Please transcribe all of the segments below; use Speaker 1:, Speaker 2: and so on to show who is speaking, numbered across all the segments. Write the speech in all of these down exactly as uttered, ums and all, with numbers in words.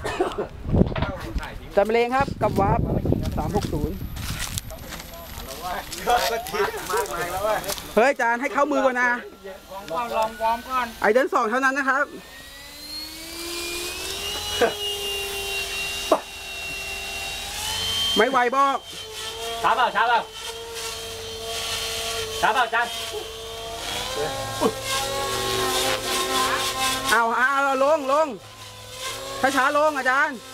Speaker 1: จัดเพลงครับกับวาร์ปสามหกศูนย์เฮ้ยจานให้เข้ามือก่อนนะลองลองวอร์มก่อนไอเดินสองเท่านั้นนะครับไม่ไหวบอกช้าเปล่าช้าเปล่าช้าเปล่าจานเอาเอาลงลงช้าช้าลงอาจารย์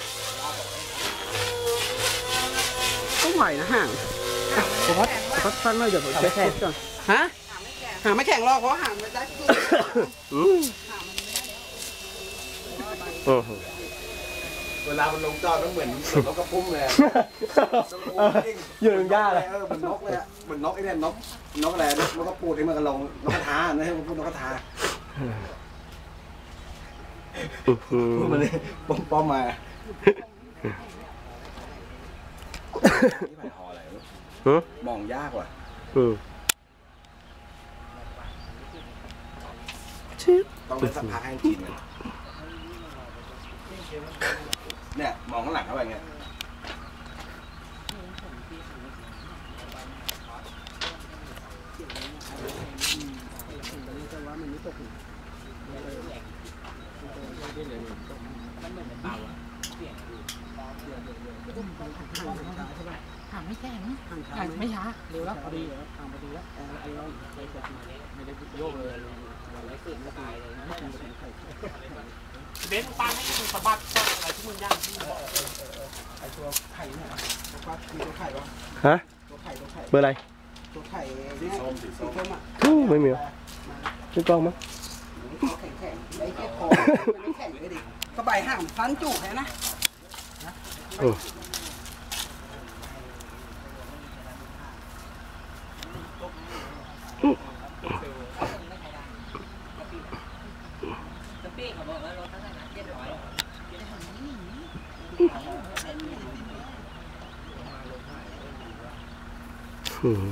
Speaker 1: ต้องไหวนะห่างผมพัดพัดฟันเลยเดี๋ยวผมเช็คแข่งก่อนฮะห่างไม่แข่งหรอกเพราะห่างมันได้เวลามันลงจอดมันเหมือนนกกระพุ้มเลยอยู่ในหญ้าเลยเออเหมือนนกเลยอ่ะเหมือนนกไอ้เนี่ยนกนกอะไรนกกระปูดไอ้มันกระลงนกกระทานะให้มันพูดนกกระทาพูดมาเลยป้อมป้อมมานี่ไปหออะไรมองยากว่ะต้องเป็นสักพักให้กินเนี่ยมองข้างหลังเข้าไปเงี้ย
Speaker 2: ห่างไม่แข็งห่างไม่ช้าเร็วแล้วพอดีห่างพอดีแล้วไอ้เราไม่ได้ไม่ได้โยกเลยไม่ตื่นไม่ตายเลยนะเบนปังให้มึงสะบัดอะไรที่มึงย่างที่มึงบอก
Speaker 1: ไอ้ตัวไข่เนี่ยตัวปลาคือตัวไข่วะ
Speaker 3: ฮะ
Speaker 1: ตัวไข่ตัวไข่
Speaker 3: เบอร์อะไร
Speaker 1: ตัวไข่สีส้มสีส้มอ่ะ
Speaker 3: ไม่มีไม่กล้องมั้ง
Speaker 1: แข็งแข็งไอ้แค่คอมันไม่แข็งเลยดิก็ใบห่างฟันจุกแค่นะ
Speaker 3: อืม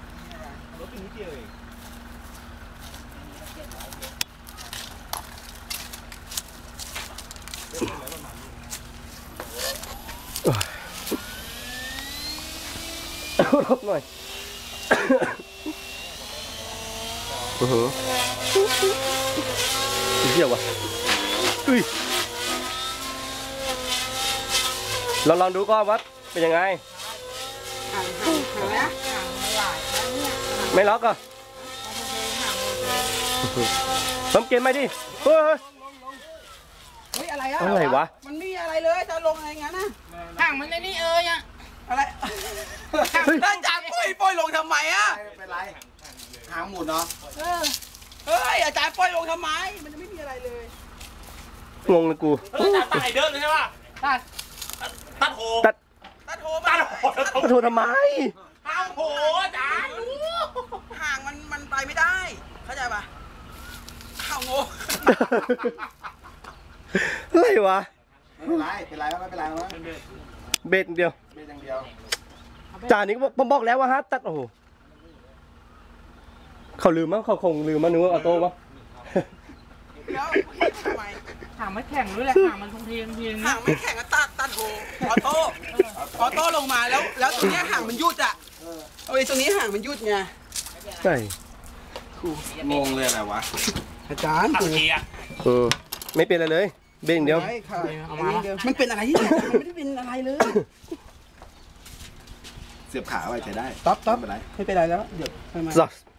Speaker 3: รบหน่อยอือหือเหี้ยวะอุ้ยเราลองดูก่อนว่าเป็นยังไงไม่ล็อกอ่ะทำเกมไหมดิเฮ้ย
Speaker 1: เฮ้ยอะไรอะ
Speaker 3: อะไรวะ
Speaker 1: มันไม่มีอะไรเลยจะลงอะไรงั้นนะ
Speaker 2: ห่างมันในนี่เอ้ยอะ
Speaker 1: อะไรอาจารย์ปุ้ยปุ้ยลงทำไมอะเป็นไรหางหมุนเนาะเฮ้ยอาจารย์ปุ้ยลงทำไมมันจะไม่มีอะไรเลย
Speaker 3: งงเลยกู
Speaker 2: อาจารย์ตัดไอเดินเลยใช่ป่ะตัดตัดโห
Speaker 3: ตัด
Speaker 1: ตัดโหตัดโห
Speaker 3: ตัดโหทำไม
Speaker 2: ห่างโหอาจารย์
Speaker 1: ห่างมันมันไปไม่ได้เข้าใจป่ะห่างโง่
Speaker 3: อะไรวะ
Speaker 1: ไม่เป็นไรเป็นไรไม่เป็นไรมั้ง
Speaker 3: เบ็ดเดียว
Speaker 1: เบ็ดอย่างเดียว
Speaker 3: จานนี้ผมบอกแล้วว่าฮะตัดโอ้โหเขาลืมมั้งเขาคงลืมมั้งนึกว่าออโต้มั้ง
Speaker 1: แล้วทำไม
Speaker 2: ห่างไม่แข็งด้วยแหละห่างมันคงเทียงเทียง
Speaker 1: ห่างไม่แข็งก็ตัดตัดโหออโต้ออโต้ลงมาแล้วแล้วตรงนี้ห่างมันยุดอ่ะเอาไอ้ตรงนี้ห่างมันยุดไง
Speaker 3: ใช่
Speaker 1: งงเลยอะไรวะอาจารย์กู
Speaker 3: เออไม่เป็นอะไรเลยเบ่งเดียว
Speaker 1: เอามามันเป็นอะไรที่มันไม่ได้เป็นอะไรเลยเสียบขาไว้ใช้ได้ต๊อบต๊อบไม่เป็นไรไม่เป็นไรแล้วเดี๋ยวทำไม